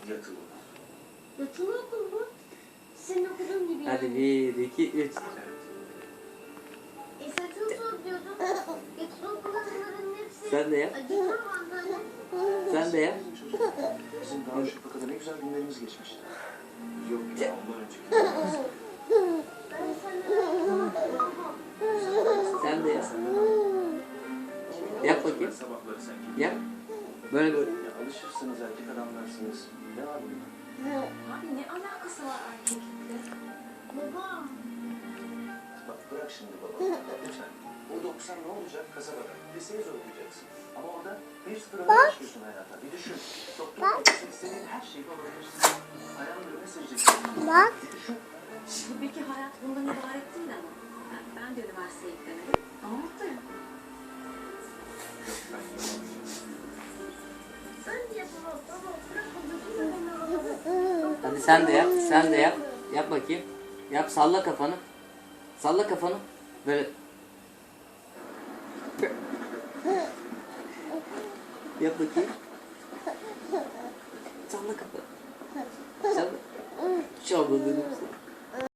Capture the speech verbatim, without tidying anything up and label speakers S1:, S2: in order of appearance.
S1: Yatılı.
S2: Yatılı okul mu? Senin okuduğun gibi yani.
S3: Hadi bir, iki, üç.
S2: E saçını soruyordum. Yatılı okulların hepsi...
S3: Sen de yap.
S2: Acıtır mı anneanne?
S3: Sen de yap.
S1: Bizim Darüşşafaka'da ne güzel günlerimiz geçmişti. Yok ya, ondan önceki.
S2: Ben senden
S3: Sen de yap. Yap bakayım.
S1: Sabahları sen
S3: Yap. Böyle böyle.
S1: Ya alışırsınız, erkek adamlarsınız. Ne var bunda?
S4: Abi ne alakası var erkeklikle?
S2: Babam.
S1: Bak bırak şimdi baba. Lütfen. Burada okusan ne olacak kasabada? Liseyi zor okuyacaksın. Ama orada bir sıfır öne başlıyorsun hayata. Bir düşün. Doktor olursun, istediğin her şeyi olabilirsin. Ayağını öne sereceksin.
S2: Bak.
S1: Düşün.
S4: Tabii ki hayat bundan ibaret değil ama. Ben, ben de üniversiteye gidemedim ama mutluyum.
S1: Yok ben yapamam.
S2: Sen de yapamam. Baba bırak babacığım.
S3: Hadi sen de yap. Sen de yap. Yap bakayım. Yap, salla kafanı. Salla kafanı. Böyle. Yap bakayım. Salla kafanı. Salla. Salla dedim.